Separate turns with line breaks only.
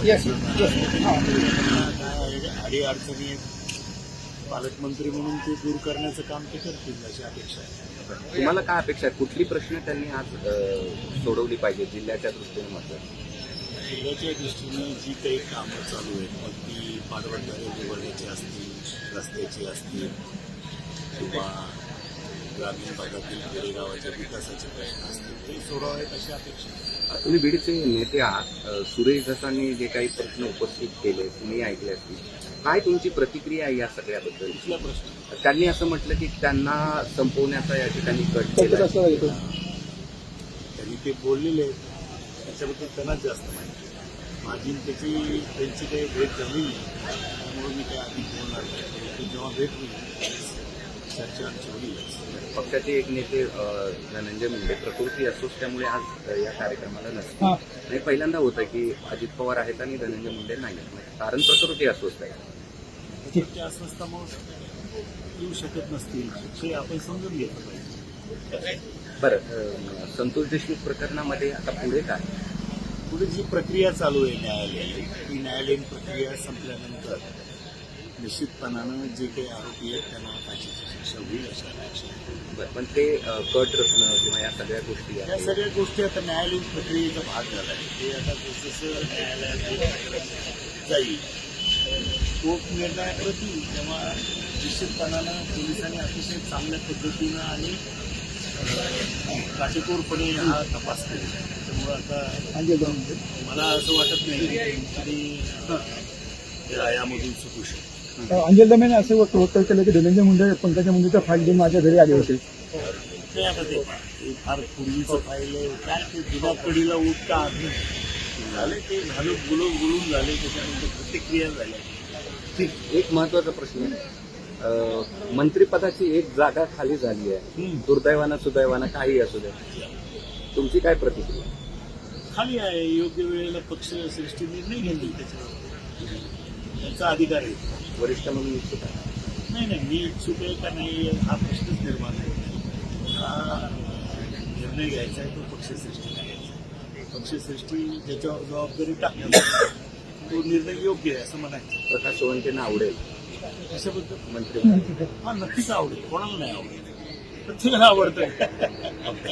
अडी अडचणी पालकमंत्री म्हणून ते दूर करण्याचं काम ते करतील अशी अपेक्षा आहे.
तुम्हाला काय अपेक्षा आहे? कुठली प्रश्न त्यांनी आज सोडवली पाहिजे जिल्ह्याच्या दृष्टीने? मात्र
जिल्ह्याच्या दृष्टीने जी काही कामं चालू आहेत, मग ती पाटबंधारे उभारण्याची असतील, रस्त्याची असतील किंवा ग्रामीण भागातील खेडेगावाच्या विकासाचे प्रश्न असतील, ते सोडवावेत अशी अपेक्षा आहे.
तुम्ही बीडचे नेते आहात. सुरेश धसांनी जे काही प्रश्न उपस्थित केले तुम्ही ऐकले असतील, काय तुमची प्रतिक्रिया आहे या सगळ्याबद्दल?
कुठला प्रश्न?
त्यांनी असं म्हटलं की त्यांना संपवण्याचा या ठिकाणी कट केला.
त्यांनी ते बोललेले आहेत, त्याच्याबद्दल त्यांनाच जास्त माहिती आहे. माझी त्यांची काही भेट झाली नाही, त्यामुळे मी काही अधिक बोलणार नाही. परंतु जेव्हा भेट होईल चर्चा आमची होईलच.
पक्षाचे एक नेते धनंजय मुंडे प्रकृती असोच त्यामुळे आज या कार्यक्रमाला नसते. आणि पहिल्यांदा होतं की अजित पवार आहेत आणि धनंजय मुंडे नाही. कारण प्रकृती अस्वस्थ आहे.
ते अस्वस्थामुळे येऊ शकत नसतील, हे आपण समजून घेतलं पाहिजे.
बरं, संतोष देशमुख प्रकरणामध्ये आता पुढे काय?
पुढे जी प्रक्रिया चालू आहे न्यायालयीन, ती न्यायालयीन प्रक्रिया संपल्यानंतर निश्चितपणानं जे काही आरोपी आहेत त्यांना फाशीची शिक्षा होईल अशा अपेक्षा आहे.
बरं, पण ते कट रचणं किंवा या सगळ्या गोष्टी
या सगळ्या गोष्टी आता न्यायालयीन प्रक्रियेचा भाग झाला आहे. ते आता जसं न्यायालयात जाईल, कोर्ट निर्णयाकडे येईल, तेव्हा निश्चितपणानं पोलिसांनी अतिशय चांगल्या पद्धतीनं आणि काटेकोरपणे हा तपास केला. त्यामुळे आता मला असं वाटत नाही की यामधून सुटू शकतो.
अंजल दमेने असं वक्तव्य केलं की धनंजय मुंडे पंकजा मुंडेचा फाईल घेऊन माझ्या घरी आले होते.
ते आता ते फार पूर्वीचं फाईल आहे, काय ते जुन्या पिढीला उठता आधी झाले, ते झालं बोलून झाले, त्याच्यानंतर प्रतिक्रिया झाल्या.
ठीक. एक महत्वाचा प्रश्न आहे, मंत्रिपदाची एक जागा खाली झाली आहे. दुर्दैवानं सुदैवानं काही असू दे, तुमची काय प्रतिक्रिया?
खाली आहे, योग्य वेळेला पक्ष सृष्टी निर्णय घेतील, त्याच्यावर त्यांचा अधिकार आहे.
वरिष्ठ म्हणून इच्छुक आहे?
नाही, मी इच्छुक आहे का नाही हा प्रश्नच निर्माण होत नाही. हा निर्णय घ्यायचा आहे तो पक्षश्रेष्ठी घ्यायचा. पक्षश्रेष्ठी ज्याच्यावर जबाबदारी टाकली तो निर्णय योग्य आहे असं म्हणायचं.
प्रकाश सोवंकेंना आवडेल
कशाबद्दल?
मंत्री?
हा, नक्कीच आवडेल. कोणाला नाही आवडेल? प्रत्येकाला आवडतं.